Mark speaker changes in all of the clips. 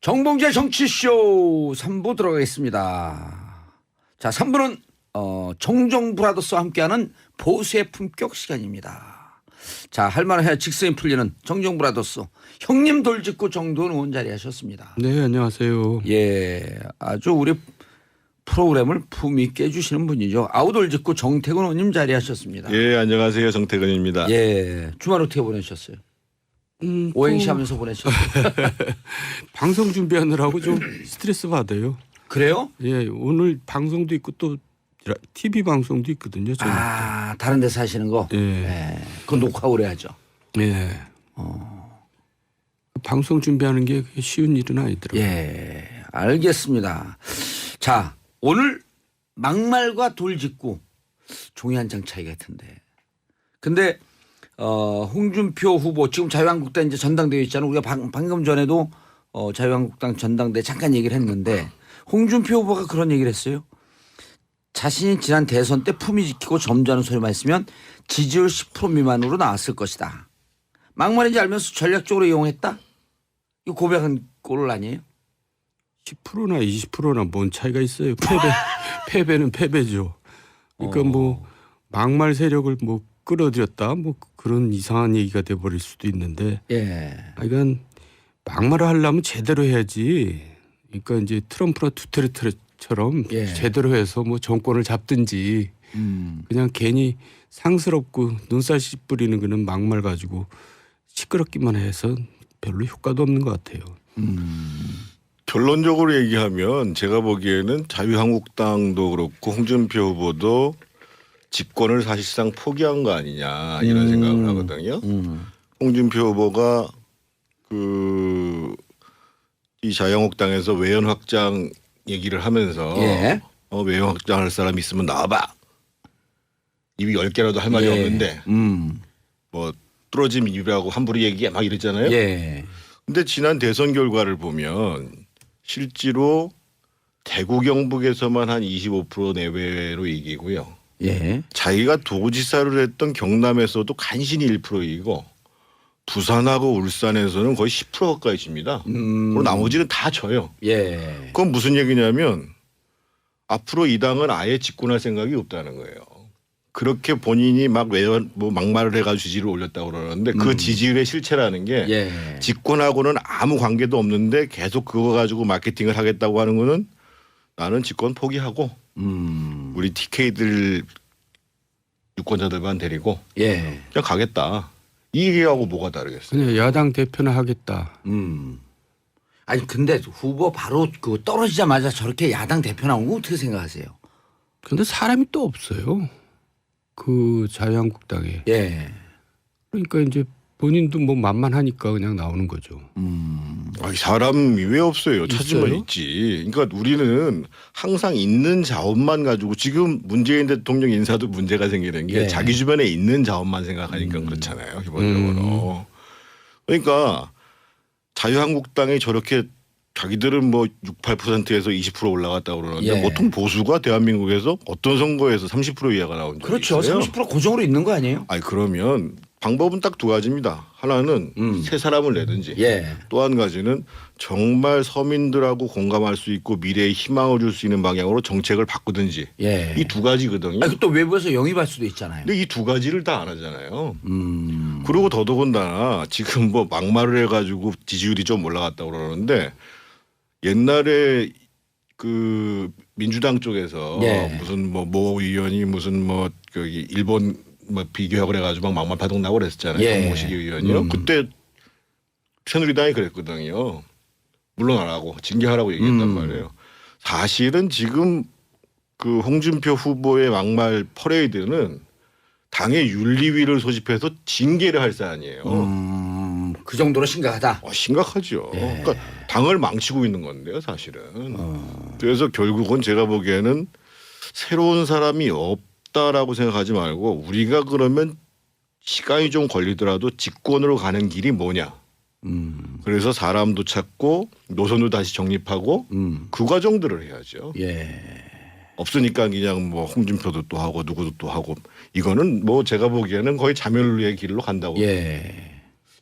Speaker 1: 정봉재 정치쇼 3부 들어가겠습니다. 자, 3부는 정정브라더스와 함께하는 보수의 품격 시간입니다. 자, 할 말을 해야 직성이 풀리는 정정브라더스 형님 돌직구 정도원 의원 자리하셨습니다.
Speaker 2: 네, 안녕하세요.
Speaker 1: 예, 아주 우리 프로그램을 품위 있게 해주시는 분이죠. 아우돌직구 정태근 의원님 자리하셨습니다.
Speaker 3: 예, 안녕하세요. 정태근입니다.
Speaker 1: 예, 주말 어떻게 보내셨어요? 오행시 하면서 보내셨어요.
Speaker 2: 방송 준비하느라고 좀 스트레스 받아요.
Speaker 1: 그래요?
Speaker 2: 예, 오늘 방송도 있고 또 TV 방송도 있거든요. 저는.
Speaker 1: 아, 다른 데서 하시는 거?
Speaker 2: 예.
Speaker 1: 네. 그건 녹화 오래 하죠.
Speaker 2: 예. 방송 준비하는 게 쉬운 일은 아니더라고요.
Speaker 1: 예, 알겠습니다. 자, 오늘 막말과 돌직구 종이 한 장 차이 같은데. 근데 홍준표 후보 지금 자유한국당 이제 전당대회 있잖아요. 우리가 방금 전에도 자유한국당 전당대회 잠깐 얘기를 했는데 홍준표 후보가 그런 얘기를 했어요. 자신이 지난 대선 때 품위 지키고 점잖은 소리만 했으면 지지율 10% 미만으로 나왔을 것이다. 막말인지 알면서 전략적으로 이용했다? 이거 고백한 꼴 아니에요?
Speaker 2: 10%나 20%나 뭔 차이가 있어요. 패배는 패배죠. 그러니까 뭐 막말 세력을 뭐 끌어들였다 뭐 그런 이상한 얘기가 돼버릴 수도 있는데.
Speaker 1: 예.
Speaker 2: 그러니까 막말을 하려면 제대로 해야지. 그러니까 이제 트럼프나 두테르테처럼
Speaker 1: 예.
Speaker 2: 제대로 해서 뭐 정권을 잡든지 그냥 괜히 상스럽고 눈살 씨 뿌리는 거는 막말 가지고 시끄럽기만 해서 별로 효과도 없는 것 같아요.
Speaker 3: 결론적으로 얘기하면 제가 보기에는 자유한국당도 그렇고 홍준표 후보도 집권을 사실상 포기한 거 아니냐 이런 생각을 하거든요. 홍준표 후보가 이 자유한국당에서 외연 확장 얘기를 하면서
Speaker 1: 예.
Speaker 3: 외연 확장할 사람 있으면 나와봐. 입이 10개라도 할 말이
Speaker 1: 예.
Speaker 3: 없는데 뭐 뚫어진 입이라고 함부로 얘기해 막 이랬잖아요.
Speaker 1: 예.
Speaker 3: 근데 지난 대선 결과를 보면 실제로 대구 경북에서만 한 25% 내외로 이기고요.
Speaker 1: 예.
Speaker 3: 자기가 도지사를 했던 경남에서도 간신히 1% 이기고 부산하고 울산에서는 거의 10% 가까이 집니다. 그리고 나머지는 다 져요.
Speaker 1: 예.
Speaker 3: 그건 무슨 얘기냐면 앞으로 이 당은 아예 집권할 생각이 없다는 거예요. 그렇게 본인이 막 외연 뭐 막말을 해가지고 지지를 올렸다고 그러는데 그 지지율의 실체라는 게
Speaker 1: 예.
Speaker 3: 집권하고는 아무 관계도 없는데 계속 그거 가지고 마케팅을 하겠다고 하는 거는 나는 집권 포기하고 우리 TK들 유권자들만 데리고
Speaker 1: 예.
Speaker 3: 그냥 가겠다. 이 얘기하고 뭐가 다르겠어요?
Speaker 2: 그냥 야당 대표는 하겠다.
Speaker 1: 아니 근데 후보 바로 그 떨어지자마자 저렇게 야당 대표 나온 거 어떻게 생각하세요?
Speaker 2: 근데 사람이 또 없어요. 그 자유한국당에.
Speaker 1: 예.
Speaker 2: 그러니까 이제 본인도 뭐 만만하니까 그냥 나오는 거죠.
Speaker 3: 아니, 사람이 왜 없어요? 찾으면
Speaker 2: 있어요?
Speaker 3: 있지. 그러니까 우리는 항상 있는 자원만 가지고 지금 문재인 대통령 인사도 문제가 생기는 게
Speaker 1: 예.
Speaker 3: 자기 주변에 있는 자원만 생각하니까 그렇잖아요. 기본적으로. 그러니까 자유한국당이 저렇게 자기들은 뭐 6, 8%에서 20% 올라갔다고 그러는데
Speaker 1: 예.
Speaker 3: 보통 보수가 대한민국에서 어떤 선거에서 30% 이하가 나온 적이
Speaker 1: 그렇죠.
Speaker 3: 있어요.
Speaker 1: 30% 고정으로 있는 거 아니에요?
Speaker 3: 아니 그러면 방법은 딱 두 가지입니다. 하나는 새 사람을 내든지
Speaker 1: 예.
Speaker 3: 또 한 가지는 정말 서민들하고 공감할 수 있고 미래에 희망을 줄 수 있는 방향으로 정책을 바꾸든지
Speaker 1: 예.
Speaker 3: 이 두 가지거든요.
Speaker 1: 아니 또 외부에서 영입할 수도 있잖아요.
Speaker 3: 근데 이 두 가지를 다 안 하잖아요. 그리고 더더군다나 지금 뭐 막말을 해가지고 지지율이 좀 올라갔다고 그러는데 옛날에 그 민주당 쪽에서
Speaker 1: 예.
Speaker 3: 무슨 모 의원이 무슨 뭐 거기 일본 뭐 비교학을 해가지고 막 막말 파동 나고 그랬었잖아요.
Speaker 1: 예.
Speaker 3: 정모식 의원이요. 그때 새누리당이 그랬거든요. 물러나라고 징계하라고 얘기했단 말이에요. 사실은 지금 그 홍준표 후보의 막말 퍼레이드는 당의 윤리위를 소집해서 징계를 할 사안이에요.
Speaker 1: 그 정도로 심각하다.
Speaker 3: 심각하죠. 그러니까 당을 망치고 있는 건데요, 사실은. 그래서 결국은 제가 보기에는 새로운 사람이 없다라고 생각하지 말고 우리가 그러면 시간이 좀 걸리더라도 집권으로 가는 길이 뭐냐. 그래서 사람도 찾고 노선도 다시 정립하고 그 과정들을 해야죠.
Speaker 1: 예.
Speaker 3: 없으니까 그냥 뭐 홍준표도 또 하고 누구도 또 하고 이거는 뭐 제가 보기에는 거의 자멸의 길로 간다고.
Speaker 1: 예.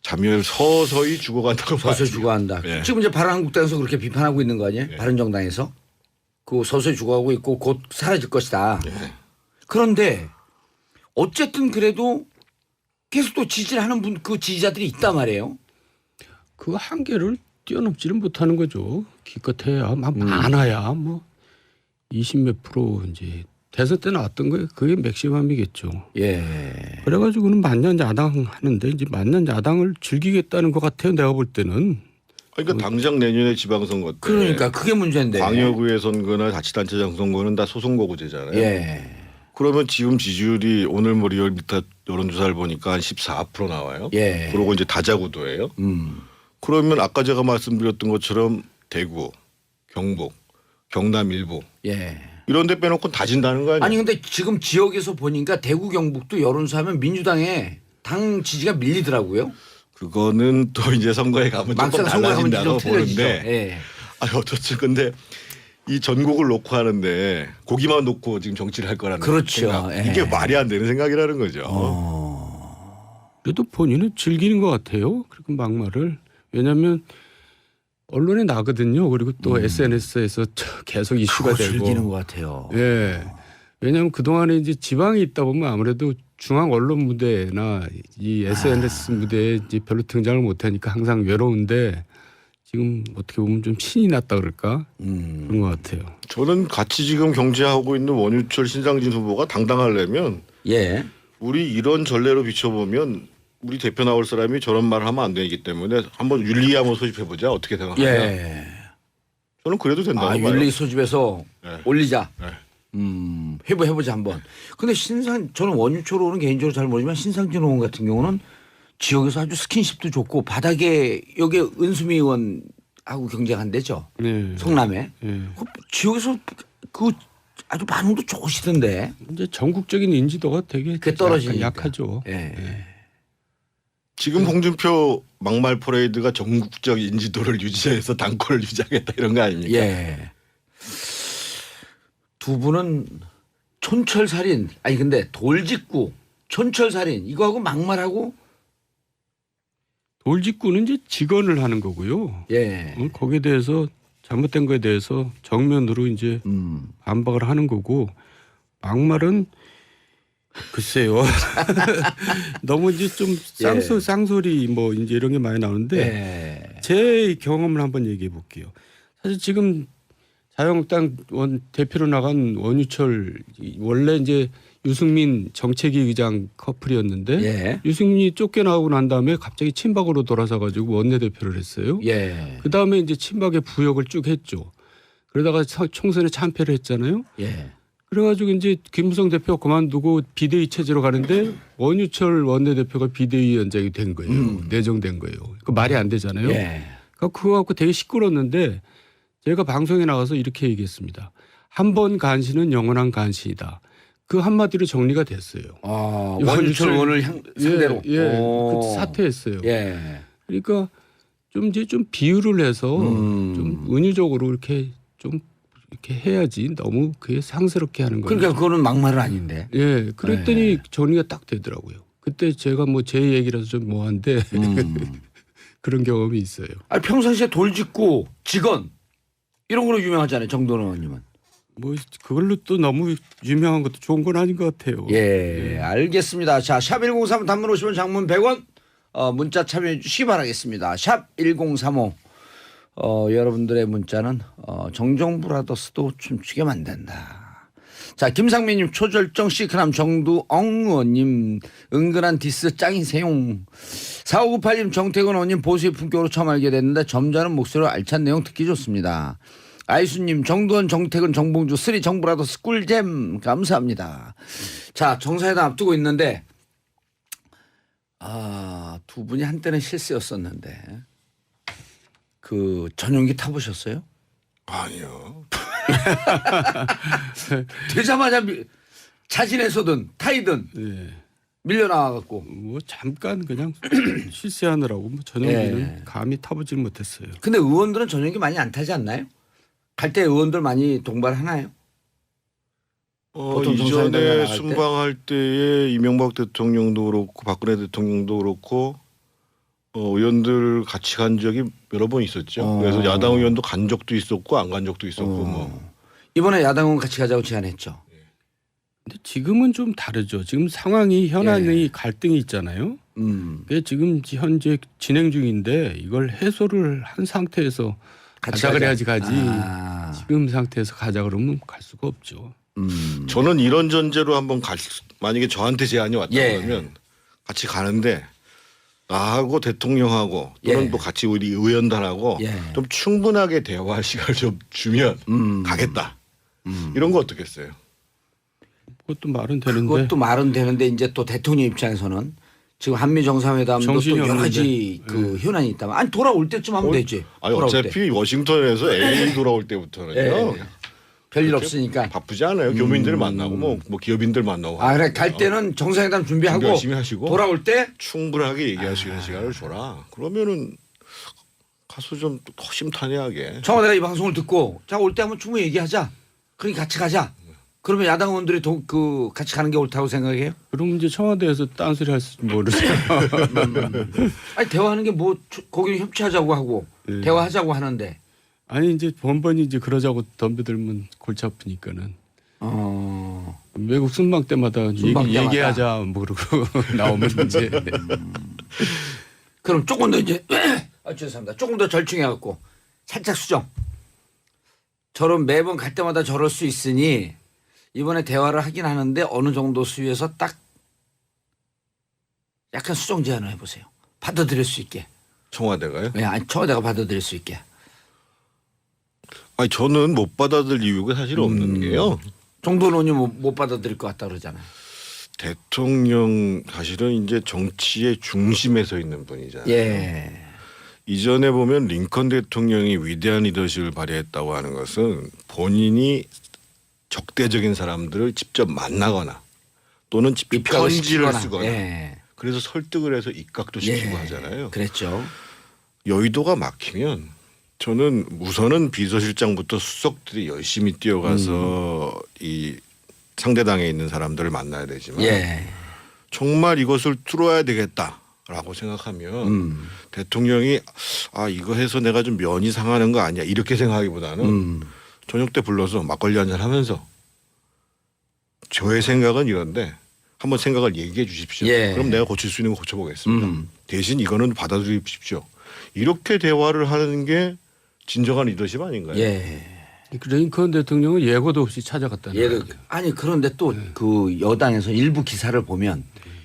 Speaker 3: 자멸 서서히 죽어간다고
Speaker 1: 서서히
Speaker 3: 봐야죠.
Speaker 1: 죽어간다.
Speaker 3: 예.
Speaker 1: 지금 이제 바른한국당에서 그렇게 비판하고 있는 거 아니에요?
Speaker 3: 예.
Speaker 1: 바른정당에서 그 서서히 죽어가고 있고 곧 사라질 것이다.
Speaker 3: 예.
Speaker 1: 그런데 어쨌든 그래도 계속 또 지지를 하는 분 그 지지자들이 있단 말이에요.
Speaker 2: 그 한계를 뛰어넘지는 못하는 거죠. 기껏해야 막 많아야 뭐 20몇 프로 이제 대선 때 나왔던 거예요. 그게 맥시멈이겠죠.
Speaker 1: 예.
Speaker 2: 그래가지고는 만년 야당 하는데 이제 만년 야당을 즐기겠다는 것 같아요. 내가 볼 때는.
Speaker 3: 그러니까 당장 내년에 지방선거 때
Speaker 1: 그러니까 그게 문제인데.
Speaker 3: 광역의회 선거나 자치단체장 선거는 다 소선거구제잖아요.
Speaker 1: 예.
Speaker 3: 그러면 지금 지지율이 오늘 뭐 리얼미터 여론조사를 보니까 한 14% 나와요.
Speaker 1: 예.
Speaker 3: 그러고 이제 다자구도예요. 그러면 아까 제가 말씀드렸던 것처럼 대구, 경북, 경남 일부
Speaker 1: 예.
Speaker 3: 이런 데 빼놓고 다 진다는 거 아니에요?
Speaker 1: 아니 근데 지금 지역에서 보니까 대구 경북도 여론조사하면 민주당에 당 지지가 밀리더라고요.
Speaker 3: 그거는 또 이제 선거에 가면 조금
Speaker 1: 막상 선거에 가면
Speaker 3: 달라진다고
Speaker 1: 좀 틀려지죠.
Speaker 3: 보는데
Speaker 1: 예.
Speaker 3: 아니 어떻지 근데 이 전국을 놓고 하는데 고기만 놓고 지금 정치를 할 거라는
Speaker 1: 그렇죠.
Speaker 3: 생각.
Speaker 1: 예.
Speaker 3: 이게 말이 안 되는 생각이라는 거죠.
Speaker 2: 그래도 본인은 즐기는 것 같아요. 그리고 막말을. 왜냐하면 언론에 나거든요. 그리고 또 SNS에서 계속 이슈가
Speaker 1: 그거
Speaker 2: 되고.
Speaker 1: 즐기는 것 같아요.
Speaker 2: 예. 왜냐하면 그 동안에 이제 지방에 있다 보면 아무래도 중앙 언론 무대나 이 SNS 무대에 이제 별로 등장을 못하니까 항상 외로운데 지금 어떻게 보면 좀 신이 났다 그럴까 그런 것 같아요.
Speaker 3: 저는 같이 지금 경제하고 있는 원유철 신상진 후보가 당당하려면
Speaker 1: 예.
Speaker 3: 우리 이런 전례로 비춰보면 우리 대표 나올 사람이 저런 말을 하면 안 되기 때문에 한번 윤리 한번 소집해보자. 어떻게 생각하냐.
Speaker 1: 예.
Speaker 3: 저는 그래도 된다고 봐요.
Speaker 1: 윤리 소집해서
Speaker 3: 네.
Speaker 1: 올리자.
Speaker 3: 네.
Speaker 1: 해보자 한번. 근데 저는 원유철 의원은 개인적으로 잘 모르지만 신상진 의원 같은 경우는 지역에서 아주 스킨십도 좋고 바닥에 여기 은수미 의원하고 경쟁한대죠.
Speaker 2: 네.
Speaker 1: 성남에.
Speaker 2: 예.
Speaker 1: 그 지역에서 그 아주 반응도 좋으시던데.
Speaker 2: 이제 전국적인 인지도가 되게
Speaker 1: 그게 떨어지니까.
Speaker 2: 약하죠.
Speaker 1: 예.
Speaker 3: 지금 홍준표 막말 퍼레이드가 전국적 인지도를 유지해서 당권을 유지하겠다 이런 거 아닙니까?
Speaker 1: 예. 두 분은 촌철살인 아니 근데 돌직구 촌철살인 이거하고 막말하고
Speaker 2: 돌직구는 이제 직언을 하는 거고요.
Speaker 1: 예.
Speaker 2: 거기에 대해서 잘못된 거에 대해서 정면으로 이제 반박을 하는 거고 막말은 글쎄요. 너무 이제 좀 쌍소리 뭐 이제 이런 게 많이 나오는데
Speaker 1: 예.
Speaker 2: 제 경험을 한번 얘기해 볼게요. 사실 지금 자유한국당 대표로 나간 원유철 원래 이제 유승민 정책위 의장 커플이었는데
Speaker 1: 예.
Speaker 2: 유승민이 쫓겨나오고 난 다음에 갑자기 친박으로 돌아서 가지고 원내대표를 했어요.
Speaker 1: 예.
Speaker 2: 그 다음에 이제 친박의 부역을 쭉 했죠. 그러다가 총선에 참패를 했잖아요.
Speaker 1: 예.
Speaker 2: 그래가지고 이제 김무성 대표가 그만두고 비대위 체제로 가는데 원유철 원내대표가 비대위원장이 된 거예요. 내정된 거예요. 그 말이 안 되잖아요.
Speaker 1: 예.
Speaker 2: 그거 갖고 되게 시끄러웠는데 제가 방송에 나가서 이렇게 얘기했습니다. 한 번 간신은 영원한 간신이다. 그 한마디로 정리가 됐어요.
Speaker 1: 아, 원유철 의원을 상대로.
Speaker 2: 예, 그 사퇴했어요.
Speaker 1: 예.
Speaker 2: 그러니까 좀 이제 좀 비유를 해서 좀 은유적으로 이렇게 좀 이렇게 해야지 너무 그게 상스럽게 하는 거예요.
Speaker 1: 그러니까 그거는 막말은 아닌데.
Speaker 2: 예, 그랬더니 정리가 딱 되더라고요. 그때 제가 뭐 제 얘기라서 좀 뭐한데 그런 경험이 있어요.
Speaker 1: 아니, 평상시에 돌직구 직언 이런 걸로 유명하잖아요. 정도원 의원님은.
Speaker 2: 뭐 그걸로 또 너무 유명한 것도 좋은 건 아닌 것 같아요.
Speaker 1: 예, 알겠습니다. 자, 샵1035 단문 50원 장문 100원 문자 참여해 주시기 바라겠습니다. 샵1035 여러분들의 문자는 정정브라더스도 춤추게 만든다. 자, 김상민님 초절정 시크남 정두엉 의원님 은근한 디스 짱이세요. 4598님 정태근 의원님 보수의 품격으로 처음 알게 됐는데 점잖은 목소리로 알찬 내용 듣기 좋습니다. 아이수님 정두원 정태근 정봉주 쓰리 정브라더스 꿀잼 감사합니다. 자, 정사회담 앞두고 있는데 두 분이 한때는 실세였었는데 그 전용기 타보셨어요?
Speaker 3: 아니요.
Speaker 1: 되자마자 자진해서든 타이든
Speaker 2: 예.
Speaker 1: 밀려나와갖고.
Speaker 2: 뭐 잠깐 그냥 실세하느라고 뭐 전용기는
Speaker 1: 예.
Speaker 2: 감히 타보질 못했어요.
Speaker 1: 근데 의원들은 전용기 많이 안 타지 않나요? 갈 때 의원들 많이 동반하나요? 보통 정사회담에
Speaker 3: 이전에
Speaker 1: 나갈 때?
Speaker 3: 순방할 때에 이명박 대통령도 그렇고 박근혜 대통령도 그렇고 의원들 같이 간 적이 여러 번 있었죠. 그래서 야당 의원도 간 적도 있었고 안 간 적도 있었고 뭐.
Speaker 1: 이번에 야당 의원 같이 가자고 제안했죠.
Speaker 2: 근데 지금은 좀 다르죠. 지금 상황이 현안의 갈등이 있잖아요. 그게 지금 현재 진행 중인데 이걸 해소를 한 상태에서
Speaker 1: 같이
Speaker 2: 가자
Speaker 1: 가자.
Speaker 2: 그래야지 가지.
Speaker 1: 아.
Speaker 2: 지금 상태에서 가자 그러면 갈 수가 없죠.
Speaker 3: 저는 이런 전제로 한번 만약에 저한테 제안이 왔다
Speaker 1: 예.
Speaker 3: 그러면 같이 가는데 나하고 대통령하고 또는
Speaker 1: 예.
Speaker 3: 또 같이 우리 의원단하고
Speaker 1: 예.
Speaker 3: 좀 충분하게 대화할 시간을 좀 주면 가겠다. 이런 거 어떻겠어요?
Speaker 2: 그것도 말은 되는데.
Speaker 1: 그것도 말은 되는데 이제 또 대통령 입장에서는 지금 한미 정상회담도 또
Speaker 2: 정신이
Speaker 1: 여러 가지
Speaker 2: 없는데.
Speaker 1: 그 현안이 있다면 아니 돌아올 때쯤 하면 되지.
Speaker 3: 아니
Speaker 1: 돌아올
Speaker 3: 어차피
Speaker 1: 때.
Speaker 3: 워싱턴에서 LA 돌아올 때부터는요.
Speaker 1: 예. 별일
Speaker 3: 그렇게
Speaker 1: 없으니까.
Speaker 3: 바쁘지 않아요. 교민들 만나고 뭐 기업인들 만나고.
Speaker 1: 아 그래 갈 때는 정상회담 준비하고
Speaker 3: 준비 열심히 하시고
Speaker 1: 돌아올 때
Speaker 3: 충분하게 얘기할 수 있는 시간을 줘라. 그러면은 가서 좀 허심탄회하게.
Speaker 1: 청와대가 이 방송을 듣고 자 올 때 한번 충분히 얘기하자. 그러니까 같이 가자. 그러면 야당 의원들이 그 같이 가는 게 옳다고 생각해요?
Speaker 2: 그럼 이제 청와대에서 딴소리 할지 모르죠.
Speaker 1: 아니 대화하는 게 뭐 거기 협치하자고 하고
Speaker 2: 예.
Speaker 1: 대화하자고 하는데.
Speaker 2: 아니 이제 번번이 이제 그러자고 덤벼들면 골치 아프니까는 외국 순방 때마다
Speaker 1: 순방 때마다.
Speaker 2: 얘기하자 뭐 그러고 나오면 이제
Speaker 1: 그럼 조금 더 이제 죄송합니다. 조금 더 절충해 갖고 살짝 수정. 저런 매번 갈 때마다 저럴 수 있으니 이번에 대화를 하긴 하는데 어느 정도 수위에서 딱 약간 수정 제안을 해보세요. 받아들일 수 있게.
Speaker 3: 청와대가요?
Speaker 1: 네, 아니 청와대가 받아들일 수 있게.
Speaker 3: 아니 저는 못 받아들일 이유가 사실 없는 게요.
Speaker 1: 정도는 의원이 못 받아들일 것 같다 그러잖아요.
Speaker 3: 대통령 사실은 이제 정치의 중심에 서 있는 분이잖아요.
Speaker 1: 예.
Speaker 3: 이전에 보면 링컨 대통령이 위대한 리더십을 발휘했다고 하는 것은 본인이 적대적인 사람들을 직접 만나거나 또는 직접
Speaker 1: 입각을
Speaker 3: 편지를
Speaker 1: 시키거나.
Speaker 3: 쓰거나
Speaker 1: 예.
Speaker 3: 그래서 설득을 해서 입각도 시키고 하잖아요.
Speaker 1: 그랬죠.
Speaker 3: 여의도가 막히면 저는 우선은 비서실장부터 수석들이 열심히 뛰어가서 이 상대당에 있는 사람들을 만나야 되지만
Speaker 1: 예.
Speaker 3: 정말 이것을 뚫어야 되겠다라고 생각하면 대통령이 이거 해서 내가 좀 면이 상하는 거 아니야 이렇게 생각하기보다는 저녁 때 불러서 막걸리 한잔 하면서 저의 생각은 이런데 한번 생각을 얘기해 주십시오.
Speaker 1: 예.
Speaker 3: 그럼 내가 고칠 수 있는 거 고쳐보겠습니다. 대신 이거는 받아들이십시오. 이렇게 대화를 하는 게 진정한 리더십 아닌가요?
Speaker 1: 예.
Speaker 2: 링컨 대통령은 예고도 없이 찾아갔다는
Speaker 1: 예를
Speaker 2: 거예요.
Speaker 1: 아니 그런데 또 그 여당에서 일부 기사를 보면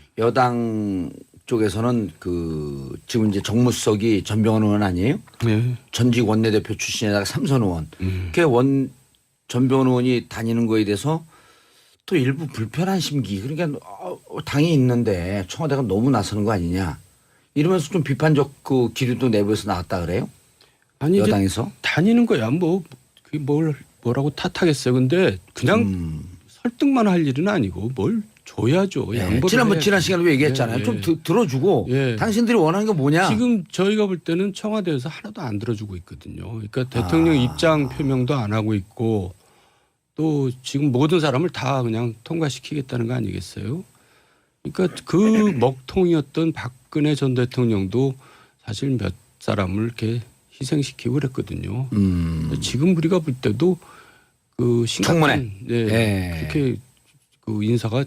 Speaker 1: 여당 쪽에서는 그 지금 이제 정무수석이 전병헌 의원 아니에요?
Speaker 2: 네.
Speaker 1: 전직 원내대표 출신에다가 삼선 의원. 그 전병헌 의원이 다니는 거에 대해서 또 일부 불편한 심기. 그러니까 당이 있는데 청와대가 너무 나서는 거 아니냐. 이러면서 좀 비판적 그 기류도 내부에서 나왔다 그래요?
Speaker 2: 아니 이제
Speaker 1: 여당에서?
Speaker 2: 다니는 거야 뭐 그게 뭐라고 탓하겠어요. 근데 그냥 설득만 할 일은 아니고 뭘 줘야죠.
Speaker 1: 예.
Speaker 2: 양보를
Speaker 1: 지난
Speaker 2: 해야지.
Speaker 1: 시간에도 얘기했잖아요.
Speaker 2: 예,
Speaker 1: 좀
Speaker 2: 예.
Speaker 1: 들어주고
Speaker 2: 예.
Speaker 1: 당신들이 원하는 게 뭐냐.
Speaker 2: 지금 저희가 볼 때는 청와대에서 하나도 안 들어주고 있거든요. 그러니까 대통령 입장 표명도 안 하고 있고 또 지금 모든 사람을 다 그냥 통과시키겠다는 거 아니겠어요? 그러니까 그 먹통이었던 박근혜 전 대통령도 사실 몇 사람을 이렇게 희생시키고 그랬거든요. 지금 우리가 볼 때도 그 심각한 그렇게 그 인사가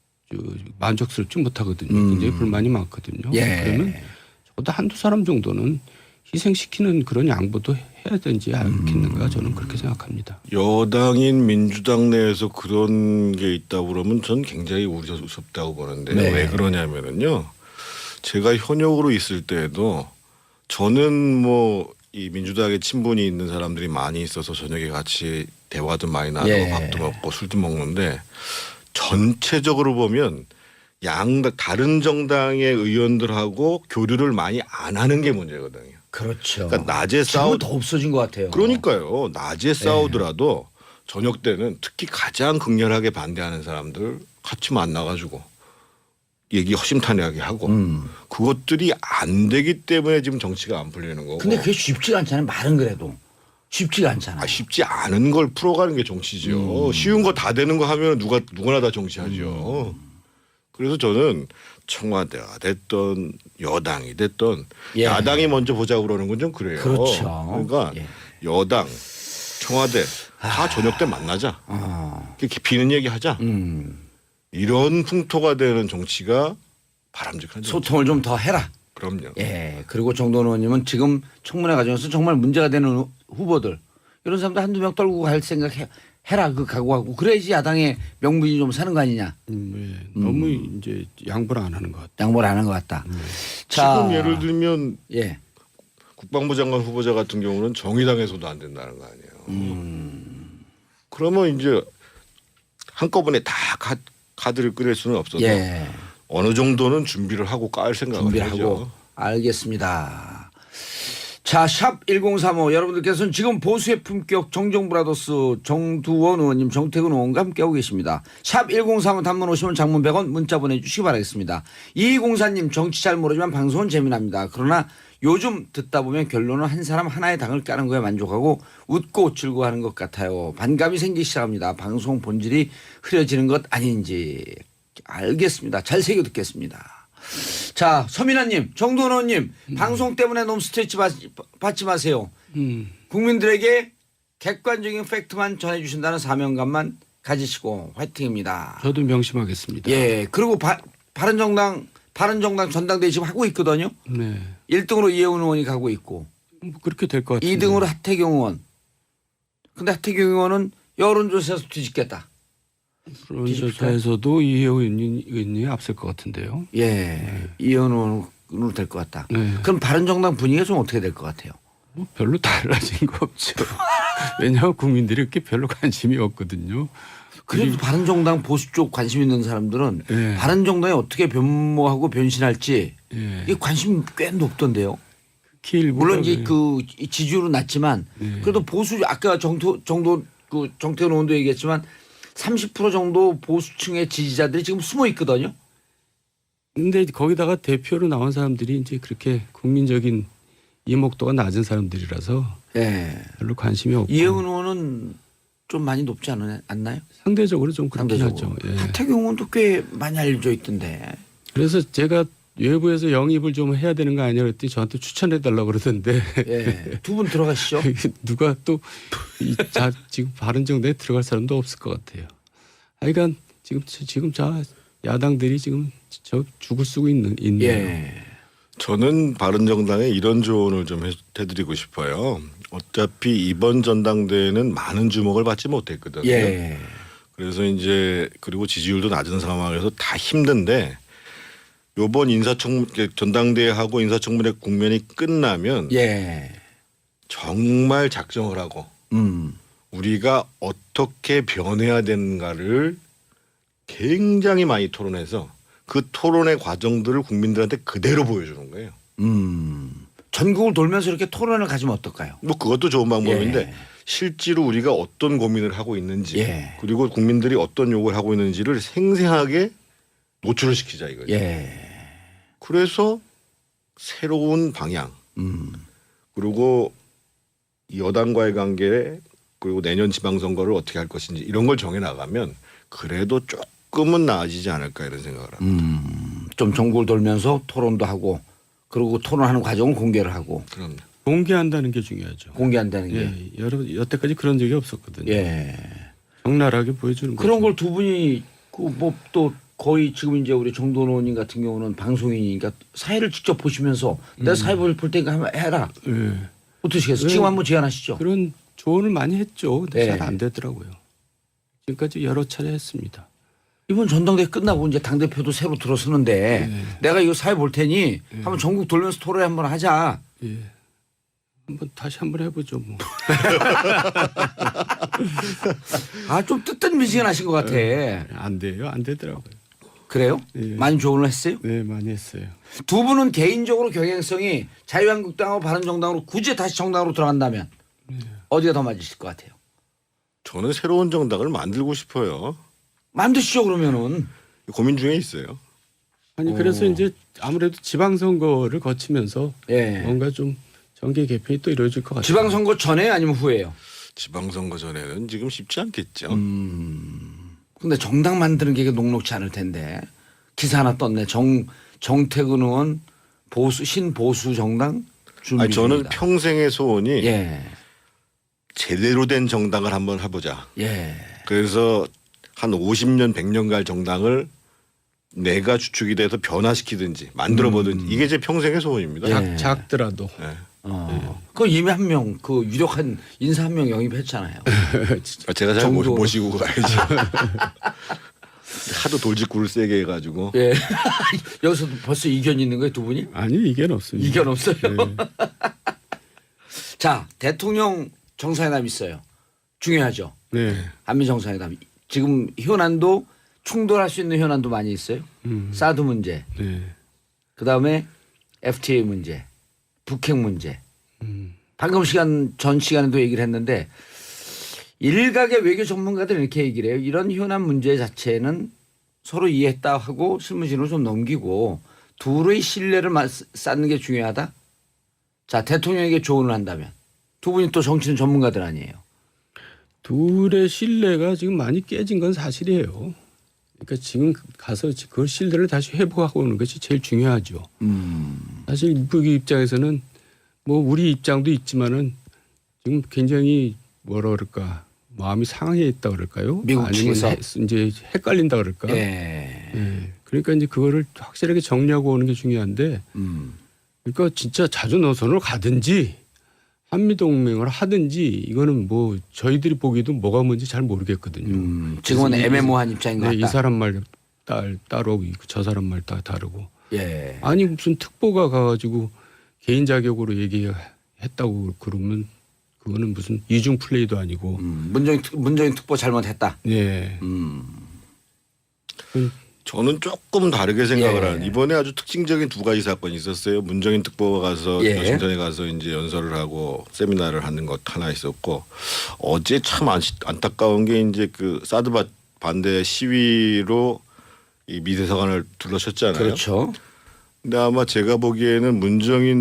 Speaker 2: 만족스럽지 못하거든요. 굉장히 불만이 많거든요.
Speaker 1: 예.
Speaker 2: 그러면 적어도 한두 사람 정도는 희생시키는 그런 양보도 해야 되지 않겠는가 저는 그렇게 생각합니다.
Speaker 3: 여당인 민주당 내에서 그런 게 있다고 그러면 전 굉장히 우려스럽다고 보는데
Speaker 1: 네.
Speaker 3: 왜 그러냐면은요. 제가 현역으로 있을 때에도 저는 뭐 이 민주당에 친분이 있는 사람들이 많이 있어서 저녁에 같이 대화도 많이 나누고
Speaker 1: 예.
Speaker 3: 밥도 먹고 술도 먹는데 전체적으로 보면 다른 정당의 의원들하고 교류를 많이 안 하는 게 문제거든요.
Speaker 1: 그렇죠.
Speaker 3: 그러니까 낮에
Speaker 1: 지금은 더 없어진 것 같아요.
Speaker 3: 그러니까요. 낮에 싸우더라도 저녁 때는 특히 가장 극렬하게 반대하는 사람들 같이 만나가지고 얘기 허심탄회하게 하고 그것들이 안 되기 때문에 지금 정치가 안 풀리는 거고.
Speaker 1: 근데 그게 쉽지가 않잖아요. 말은 그래도 쉽지가 않잖아요.
Speaker 3: 쉽지 않은 걸 풀어가는 게 정치죠. 쉬운 거 다 되는 거 하면 누구나 다 정치하죠. 그래서 저는 청와대가 됐던 여당이 됐던
Speaker 1: 예.
Speaker 3: 야당이 먼저 보자고 그러는 건 좀 그래요.
Speaker 1: 그렇죠.
Speaker 3: 그러니까
Speaker 1: 예.
Speaker 3: 여당, 청와대 다 저녁 때 만나자. 이렇게 비는 얘기하자. 이런 풍토가 되는 정치가 바람직한 정치.
Speaker 1: 소통을 좀 더 해라.
Speaker 3: 그럼요.
Speaker 1: 예. 그리고 정도원 의원님은 지금 청문회 과정에서 정말 문제가 되는 후보들 이런 사람들 한두 명 떨고 갈 생각 해라 그 각오하고 그래야지 야당의 명분이 좀 사는 거 아니냐.
Speaker 2: 너무 이제 양보를 안 하는 것 같아요.
Speaker 1: 양보를 안 한 것 같다.
Speaker 3: 지금 예를 들면
Speaker 1: 예.
Speaker 3: 국방부 장관 후보자 같은 경우는 정의당에서도 안 된다는 거 아니에요. 그러면 이제 한꺼번에 다 카드를 꺼낼 수는 없어서
Speaker 1: 예.
Speaker 3: 어느 정도는 준비를 하고 깔 생각을
Speaker 1: 준비를
Speaker 3: 하죠.
Speaker 1: 하고 알겠습니다. 자, 샵 1035 여러분들께서는 지금 보수의 품격 정정브라더스 정두원 의원님 정태근 의원과 함께하고 계십니다. 샵 1035 단문 50원 장문 100원 문자 보내주시기 바라겠습니다. 2204님 정치 잘 모르지만 방송은 재미납니다. 그러나 요즘 듣다 보면 결론은 한 사람 하나의 당을 까는 거에 만족하고 웃고 즐거워하는 것 같아요. 반감이 생기기 시작합니다. 방송 본질이 흐려지는 것 아닌지. 알겠습니다. 잘 새겨 듣겠습니다. 자, 서민아님, 정도원 의원님, 방송 때문에 너무 스트레스 받지 마세요. 국민들에게 객관적인 팩트만 전해주신다는 사명감만 가지시고 화이팅입니다.
Speaker 2: 저도 명심하겠습니다.
Speaker 1: 예, 그리고 바른정당 전당대회 지금 하고 있거든요.
Speaker 2: 네.
Speaker 1: 1등으로 이혜훈 의원이 가고 있고
Speaker 2: 뭐 그렇게 될 것 같아요.
Speaker 1: 2등으로 하태경 의원. 근데 하태경 의원은 여론조사에서 뒤집겠다.
Speaker 2: 여론조사에서도 이혜원 의원이 앞설 것 같은데요.
Speaker 1: 예, 이혜훈 의원으로 될 것 같다.
Speaker 2: 네.
Speaker 1: 그럼 바른정당 분위기가 좀 어떻게 될 것 같아요?
Speaker 2: 뭐 별로 달라진 거 없죠. 왜냐하면 국민들이 이렇게 별로 관심이 없거든요.
Speaker 1: 그래도 바른정당 보수 쪽 관심 있는 사람들은
Speaker 2: 예.
Speaker 1: 바른정당이 어떻게 변모하고 변신할지
Speaker 2: 예.
Speaker 1: 이게 관심 꽤 높던데요.
Speaker 2: 일부가
Speaker 1: 물론 이제 그 지지율은 낮지만
Speaker 2: 예.
Speaker 1: 그래도 보수 아까 정태훈 의원도 얘기했지만 30% 정도 보수층의 지지자들이 지금 숨어 있거든요.
Speaker 2: 근데 거기다가 대표로 나온 사람들이 이제 그렇게 국민적인 이목도가 낮은 사람들이라서
Speaker 1: 예.
Speaker 2: 별로 관심이 없고
Speaker 1: 이혜훈 의원은 좀 많이 높지 않나요?
Speaker 2: 상대적으로 좀 그렇긴
Speaker 1: 상대적으로.
Speaker 2: 하죠. 예.
Speaker 1: 하태경 의원도 꽤 많이 알려져 있던데.
Speaker 2: 그래서 제가 외부에서 영입을 좀 해야 되는 거 아니냐 그랬더니 저한테 추천해 달라고 그러던데
Speaker 1: 예. 두 분 들어가시죠.
Speaker 2: 누가 또 지금 바른정당에 들어갈 사람도 없을 것 같아요. 하여간 지금 야당들이 지금 저 죽을 쓰고 있네요.
Speaker 1: 예.
Speaker 3: 저는 바른정당에 이런 조언을 좀 해드리고 싶어요. 어차피 이번 전당대회는 많은 주목을 받지 못했거든요.
Speaker 1: 예.
Speaker 3: 그래서 이제 그리고 지지율도 낮은 상황에서 다 힘든데 요번 전당대회하고 인사청문회 국면이 끝나면
Speaker 1: 예.
Speaker 3: 정말 작정을 하고 우리가 어떻게 변해야 되는가를 굉장히 많이 토론해서 그 토론의 과정들을 국민들한테 그대로 보여주는 거예요.
Speaker 1: 전국을 돌면서 이렇게 토론을 가지면 어떨까요?
Speaker 3: 뭐 그것도 좋은 방법인데
Speaker 1: 예.
Speaker 3: 실제로 우리가 어떤 고민을 하고 있는지
Speaker 1: 예.
Speaker 3: 그리고 국민들이 어떤 요구를 하고 있는지를 생생하게 노출을 시키자 이거죠.
Speaker 1: 예.
Speaker 3: 그래서 새로운 방향 그리고 여당과의 관계 그리고 내년 지방선거를 어떻게 할 것인지 이런 걸 정해 나가면 그래도 조금은 나아지지 않을까 이런 생각을 합니다.
Speaker 1: 좀 전국을 돌면서 토론도 하고 그리고 토론하는 과정은 공개를 하고
Speaker 3: 그럼요.
Speaker 2: 공개한다는 게 중요하죠.
Speaker 1: 공개한다는 게.
Speaker 2: 예. 여태까지 그런 적이 없었거든요.
Speaker 1: 예.
Speaker 2: 적나라하게 보여주는
Speaker 1: 그런
Speaker 2: 거죠.
Speaker 1: 걸 두 분이 뭐 또 거의 지금 이제 우리 정도원 의원님 같은 경우는 방송인이니까 사회를 직접 보시면서 내가 사회 볼 테니까 한번 해라.
Speaker 2: 예.
Speaker 1: 어떠시겠어요? 지금 한번 제안하시죠.
Speaker 2: 그런 조언을 많이 했죠. 근데
Speaker 1: 예.
Speaker 2: 잘 안 되더라고요. 지금까지 여러 차례 했습니다.
Speaker 1: 이번 전당대회 끝나고 이제 당대표도 새로 들어서는데 내가 이거 사회 볼 테니 한번 전국 돌면서 토론회 한번 하자.
Speaker 2: 예. 다시 한번 해보죠. 뭐.
Speaker 1: 아, 좀 뜨뜻미지근하신 것 같아.
Speaker 2: 안 돼요. 안 되더라고요.
Speaker 1: 그래요?
Speaker 2: 예.
Speaker 1: 많이 조언을 했어요?
Speaker 2: 네, 많이 했어요.
Speaker 1: 두 분은 개인적으로 경향성이 자유한국당하고 바른정당으로 굳이 다시 정당으로 들어간다면 어디가 더 맞으실 것 같아요?
Speaker 3: 저는 새로운 정당을 만들고 싶어요.
Speaker 1: 만드시죠 그러면은.
Speaker 3: 고민 중에 있어요.
Speaker 2: 아니 그래서 이제 아무래도 지방선거를 거치면서
Speaker 1: 예.
Speaker 2: 뭔가 좀 정계 개편이 또 이루어질 것 같아요.
Speaker 1: 지방선거 전에 아니면 후에요?
Speaker 3: 지방선거 전에는 지금 쉽지 않겠죠.
Speaker 1: 근데 정당 만드는 게 녹록치 않을 텐데 기사 하나 떴네. 정태근 의원 신보수 정당 준비
Speaker 3: 아니, 저는
Speaker 1: 중이다.
Speaker 3: 평생의 소원이
Speaker 1: 예.
Speaker 3: 제대로 된 정당을 한번 해보자.
Speaker 1: 예.
Speaker 3: 그래서 한 50년 100년 갈 정당을 내가 주축이 돼서 변화시키든지 만들어보든지 이게 제 평생의 소원입니다.
Speaker 1: 예.
Speaker 2: 작더라도.
Speaker 3: 네.
Speaker 1: 그 이미 한 명 그 유력한 인사 한 명 영입했잖아요.
Speaker 3: 제가 잘
Speaker 1: 정도.
Speaker 3: 모시고 가야지. 하도 돌직구를 세게 해가지고.
Speaker 1: 예. 여기서도 벌써 이견 있는 거예요, 두 분이?
Speaker 2: 아니 이견 없습니다.
Speaker 1: 이견 없어요.
Speaker 2: 네.
Speaker 1: 자, 대통령 정상회담 있어요. 중요하죠.
Speaker 2: 네.
Speaker 1: 한미 정상회담. 지금 현안도 충돌할 수 있는 현안도 많이 있어요. 사드 문제,
Speaker 2: 네.
Speaker 1: 그다음에 FTA 문제, 북핵 문제. 방금 전 시간에도 얘기를 했는데 일각의 외교 전문가들은 이렇게 얘기를 해요. 이런 현안 문제 자체는 서로 이해했다 하고 실무진으로 좀 넘기고 둘의 신뢰를 쌓는 게 중요하다. 자, 대통령에게 조언을 한다면 두 분이 또 정치는 전문가들 아니에요.
Speaker 2: 둘의 신뢰가 지금 많이 깨진 건 사실이에요. 그러니까 지금 가서 그 신뢰를 다시 회복하고 오는 것이 제일 중요하죠. 사실 미국 입장에서는 뭐 우리 입장도 있지만은 지금 굉장히 뭐라 그럴까 마음이 상해 있다 그럴까요?
Speaker 1: 미국
Speaker 2: 아니면
Speaker 1: 측에서?
Speaker 2: 이제 헷갈린다 그럴까?
Speaker 1: 예.
Speaker 2: 예. 그러니까 이제 그거를 확실하게 정리하고 오는 게 중요한데, 그러니까 진짜 자주 노선으로 가든지 한미 동맹을 하든지 이거는 뭐 저희들이 보기도 뭐가 뭔지 잘 모르겠거든요.
Speaker 1: 지금은
Speaker 2: 그래서
Speaker 1: 애매모호한 입장인 것
Speaker 2: 네,
Speaker 1: 같다.
Speaker 2: 이 사람 말 따로 저 사람 말 다르고.
Speaker 1: 예.
Speaker 2: 아니 무슨 특보가 가가지고 개인 자격으로 얘기했다고 그러면 그거는 무슨 이중 플레이도 아니고.
Speaker 1: 문정인 특보 잘못했다.
Speaker 2: 네.
Speaker 3: 저는 조금 다르게 생각을
Speaker 1: 예.
Speaker 3: 하는 이번에 아주 특징적인 두 가지 사건이 있었어요. 문정인 특보가 가서
Speaker 1: 예.
Speaker 3: 워싱턴에 가서 이제 연설을 하고 세미나를 하는 것 하나 있었고 어제 참 안타까운 게 이제 그 사드 반대 시위로 이 미대사관을 둘러쳤잖아요.
Speaker 1: 그렇죠.
Speaker 3: 근데 아마 제가 보기에는 문정인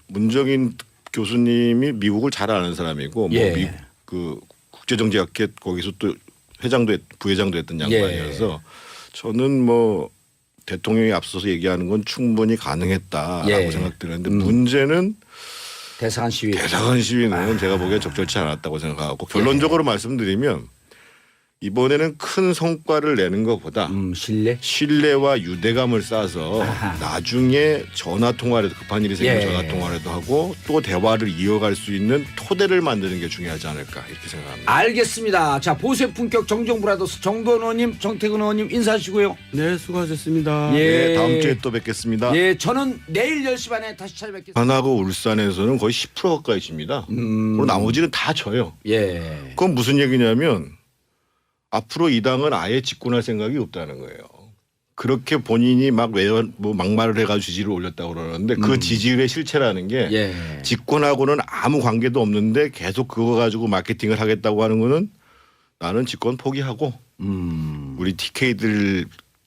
Speaker 3: 교수님이 미국을 잘 아는 사람이고
Speaker 1: 예.
Speaker 3: 뭐 그 국제정치학회 거기서 또 부회장도 했던 양반이어서 저는 뭐 대통령이 앞서서 얘기하는 건 충분히 가능했다라고
Speaker 1: 예.
Speaker 3: 생각드는데 문제는
Speaker 1: 대사관 시위.
Speaker 3: 대사관 시위는 제가 보기엔 적절치 않았다고 생각하고 결론적으로 말씀드리면 이번에는 큰 성과를 내는 것보다
Speaker 1: 신뢰.
Speaker 3: 신뢰와 유대감을 쌓아서 나중에 전화 통화라도 급한 일이 생기면
Speaker 1: 예.
Speaker 3: 전화 통화라도 하고 또 대화를 이어갈 수 있는 토대를 만드는 게 중요하지 않을까 이렇게 생각합니다.
Speaker 1: 알겠습니다. 자, 보수의 품격 정정브라더스 정도원 의원님, 정태근 의원님 인사하시고요.
Speaker 2: 네, 수고하셨습니다.
Speaker 1: 예.
Speaker 3: 네, 다음 주에 또 뵙겠습니다.
Speaker 1: 예, 저는 내일 10시 반에 다시 찾아뵙겠습니다.
Speaker 3: 하나고 울산에서는 거의 10% 가까이 집니다. 그리고 나머지는 다 져요.
Speaker 1: 예.
Speaker 3: 그건 무슨 얘기냐면 앞으로 이 당은 아예 집권할 생각이 없다는 거예요. 그렇게 본인이 뭐 막말을 해가지고 지지를 올렸다고 그러는데 그 지지율의 실체라는 게
Speaker 1: 예.
Speaker 3: 집권하고는 아무 관계도 없는데 계속 그거 가지고 마케팅을 하겠다고 하는 거는 나는 집권 포기하고 우리 TK들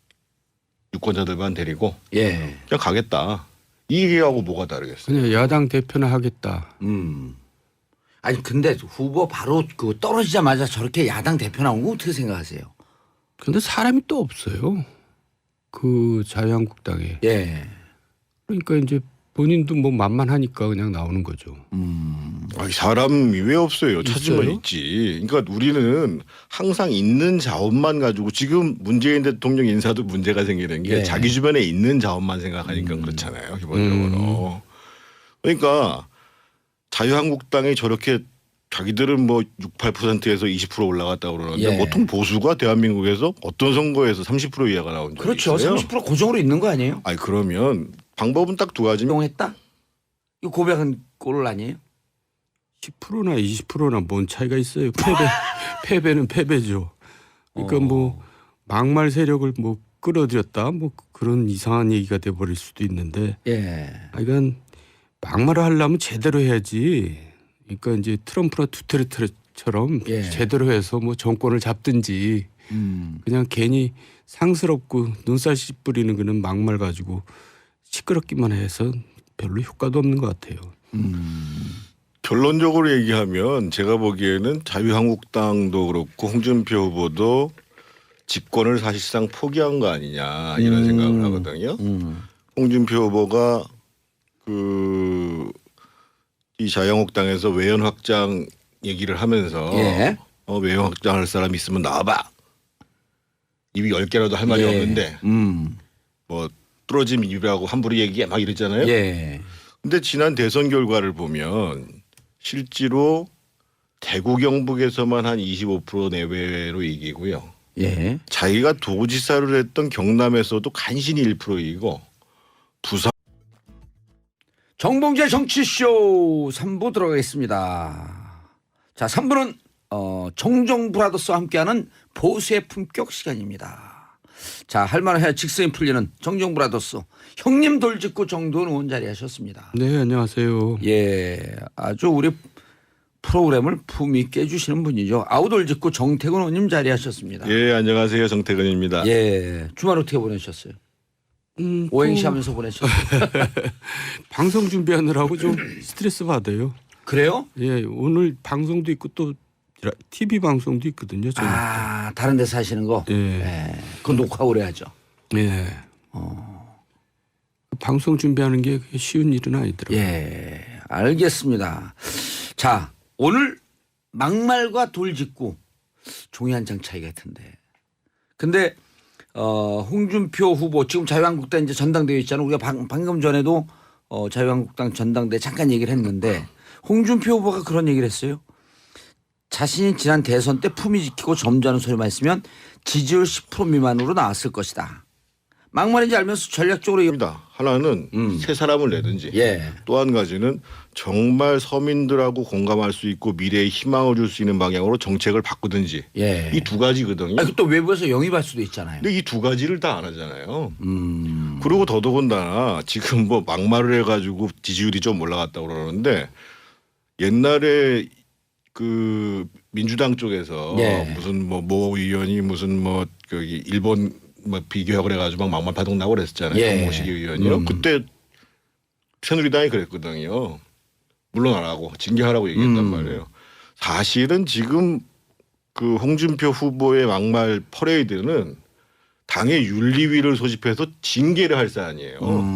Speaker 3: 유권자들만 데리고
Speaker 1: 예.
Speaker 3: 그냥 가겠다. 이 얘기하고 뭐가 다르겠어요.
Speaker 2: 그냥 야당 대표는 하겠다.
Speaker 1: 아니 근데 후보 바로 그 떨어지자마자 저렇게 야당 대표 나온 거 어떻게 생각하세요?
Speaker 2: 근데 사람이 또 없어요. 그 자유한국당에.
Speaker 1: 예.
Speaker 2: 그러니까 이제 본인도 뭐 만만하니까 그냥 나오는 거죠.
Speaker 3: 아니, 사람이 왜 없어요? 찾으면
Speaker 2: 있어요?
Speaker 3: 있지. 그러니까 우리는 항상 있는 자원만 가지고 지금 문재인 대통령 인사도 문제가 생기는 게
Speaker 1: 예.
Speaker 3: 자기 주변에 있는 자원만 생각하니까 그렇잖아요. 기본적으로. 그러니까 자유한국당이 저렇게 자기들은 뭐 6, 8%에서 20% 올라갔다고 그러는데
Speaker 1: 예.
Speaker 3: 보통 보수가 대한민국에서 어떤 선거에서 30% 이하가 나온 적이
Speaker 1: 그렇죠.
Speaker 3: 있어요.
Speaker 1: 30% 고정으로 있는 거 아니에요?
Speaker 3: 아니 그러면 방법은 딱 두 가지입니다.
Speaker 1: 이용했다? 이거 고백은 꼴 아니에요?
Speaker 2: 10%나 20%나 뭔 차이가 있어요. 패배는 패배죠. 그러니까 뭐 막말 세력을 뭐 끌어들였다 뭐 그런 이상한 얘기가 돼 버릴 수도 있는데
Speaker 1: 예.
Speaker 2: 이건 막말을 하려면 제대로 해야지. 그러니까 이제 트럼프나 두테르테처럼
Speaker 1: 예.
Speaker 2: 제대로 해서 뭐 정권을 잡든지 그냥 괜히 상스럽고 눈살 씨 뿌리는 그런 막말 가지고 시끄럽기만 해서 별로 효과도 없는 것 같아요.
Speaker 3: 결론적으로 얘기하면 제가 보기에는 자유한국당도 그렇고 홍준표 후보도 집권을 사실상 포기한 거 아니냐 이런 생각을 하거든요. 홍준표 후보가 이 자유한국당에서 외연 확장 얘기를 하면서
Speaker 1: 예.
Speaker 3: 외연 확장할 사람 있으면 나와봐. 입이 10개라도 할 말이
Speaker 1: 예.
Speaker 3: 없는데 뭐 뚫어진 입이라고 함부로 얘기해 막 이랬잖아요.
Speaker 1: 예.
Speaker 3: 근데 지난 대선 결과를 보면 실제로 대구 경북에서만 한 25% 내외로 이기고요.
Speaker 1: 예.
Speaker 3: 자기가 도지사를 했던 경남에서도 간신히 1% 이기고 부산
Speaker 1: 정봉재 정치쇼 3부 들어가겠습니다. 자, 3부는 정정 브라더스와 함께하는 보수의 품격 시간입니다. 자, 할 말을 해야 직성이 풀리는 정정 브라더스 형님 돌직구 정도원 의원 자리하셨습니다.
Speaker 2: 네, 안녕하세요.
Speaker 1: 예, 아주 우리 프로그램을 품위 있게 해주시는 분이죠. 아우돌직구 정태근 의원님 자리하셨습니다.
Speaker 3: 예 안녕하세요 정태근입니다.
Speaker 1: 예, 주말 어떻게 보내셨어요? 오행시 하면서 보내셨어요?
Speaker 2: 방송 준비하느라고 좀 스트레스 받아요.
Speaker 1: 그래요?
Speaker 2: 예, 오늘 방송도 있고 또 TV 방송도 있거든요. 저는.
Speaker 1: 아, 다른 데서 하시는 거?
Speaker 2: 예.
Speaker 1: 예. 그건 녹화 오래 하죠.
Speaker 2: 예. 방송 준비하는 게 쉬운 일은 아니더라고요.
Speaker 1: 예, 알겠습니다. 자, 오늘 막말과 돌직구 종이 한 장 차이 같은데. 근데 홍준표 후보 지금 자유한국당 이제 전당대회 있잖아요. 우리가 방금 전에도 자유한국당 전당대회 잠깐 얘기를 했는데 홍준표 후보가 그런 얘기를 했어요. 자신이 지난 대선 때 품위 지키고 점잖은 소리만 했으면 지지율 10% 미만으로 나왔을 것이다. 막말인지 알면서 전략적으로
Speaker 3: 입니다. 하나는 새 사람을 내든지
Speaker 1: 예.
Speaker 3: 또 한 가지는 정말 서민들하고 공감할 수 있고 미래에 희망을 줄 수 있는 방향으로 정책을 바꾸든지
Speaker 1: 예.
Speaker 3: 이 두 가지거든요.
Speaker 1: 아니, 또 외부에서 영입할 수도 있잖아요.
Speaker 3: 근데 이 두 가지를 다 안 하잖아요. 그리고 더더군다나 지금 뭐 막말을 해가지고 지지율이 좀 올라갔다고 그러는데 옛날에 그 민주당 쪽에서
Speaker 1: 네.
Speaker 3: 무슨 모 의원이 무슨 뭐 거기 일본 뭐 비교학을 해가지고 막 막말 파동 나고 그랬었잖아요.
Speaker 1: 예.
Speaker 3: 정모식 의원이요. 그때 새누리당이 그랬거든요. 물러나라고 징계하라고 얘기했단 말이에요. 사실은 지금 그 홍준표 후보의 막말 퍼레이드는 당의 윤리위를 소집해서 징계를 할 사안이에요.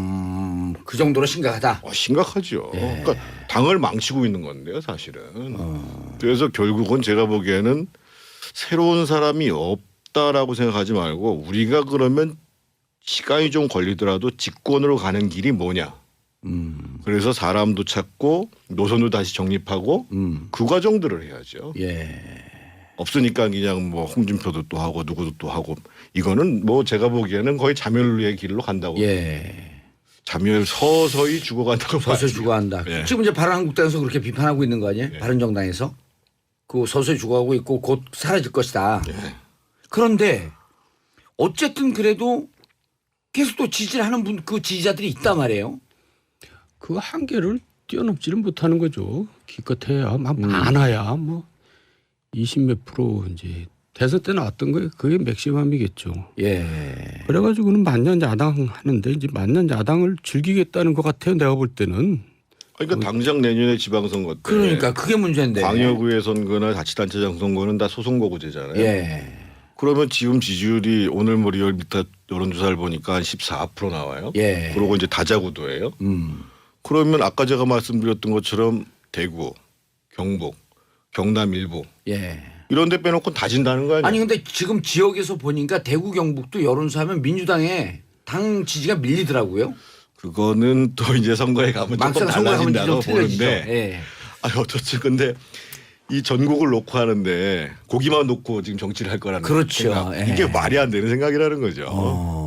Speaker 1: 그 정도로 심각하다.
Speaker 3: 심각하죠.
Speaker 1: 예.
Speaker 3: 그러니까 당을 망치고 있는 건데요, 사실은. 그래서 결국은 제가 보기에는 새로운 사람이 없다라고 생각하지 말고 우리가 그러면 시간이 좀 걸리더라도 집권으로 가는 길이 뭐냐. 그래서 사람도 찾고 노선도 다시 정립하고 그 과정들을 해야죠.
Speaker 1: 예.
Speaker 3: 없으니까 그냥 뭐 홍준표도 또 하고 누구도 또 하고 이거는 뭐 제가 보기에는 거의 자멸의 길로 간다고.
Speaker 1: 예.
Speaker 3: 자멸 서서히 죽어간다고
Speaker 1: 서서히
Speaker 3: 봐야죠.
Speaker 1: 죽어간다.
Speaker 3: 예.
Speaker 1: 지금 이제 바른한국당에서 그렇게 비판하고 있는 거 아니에요? 바른정당에서. 그 서서히 죽어가고 있고 곧 사라질 것이다.
Speaker 3: 예.
Speaker 1: 그런데 어쨌든 그래도 계속 또 지지를 하는 분 그 지지자들이 있단 말이에요.
Speaker 2: 그 한계를 뛰어넘지는 못하는 거죠. 기껏해야 막 많아야 뭐 20몇 프로 이제 대선 때 나왔던 거예요. 그게 맥시멈이겠죠.
Speaker 1: 예.
Speaker 2: 그래가지고는 만년 야당 하는데 이제 만년 야당을 즐기겠다는 것 같아요. 내가 볼 때는.
Speaker 3: 그러니까 당장 내년에 지방선거 때
Speaker 1: 그러니까 그게 문제인데.
Speaker 3: 광역의회 선거나 자치단체장 선거는 다 소선거구제잖아요.
Speaker 1: 예.
Speaker 3: 그러면 지금 지지율이 오늘 뭐 리얼미터 여론조사를 보니까 한 14% 나와요.
Speaker 1: 예.
Speaker 3: 그리고 이제 다자구도예요. 그러면 아까 제가 말씀드렸던 것처럼 대구, 경북, 경남 일부
Speaker 1: 예.
Speaker 3: 이런 데 빼놓고 다 진다는 거 아니에요?
Speaker 1: 아니 근데 지금 지역에서 보니까 대구 경북도 여론조사하면 민주당에 당 지지가 밀리더라고요.
Speaker 3: 그거는 또 이제 선거에 가면 조금
Speaker 1: 막상 선거에 가면
Speaker 3: 달라진다고
Speaker 1: 좀 틀려지죠.
Speaker 3: 보는데
Speaker 1: 예.
Speaker 3: 아니 어떻지 근데 이 전국을 놓고 하는데 고기만 놓고 지금 정치를 할 거라는
Speaker 1: 그렇죠.
Speaker 3: 생각.
Speaker 1: 예.
Speaker 3: 이게 말이 안 되는 생각이라는 거죠.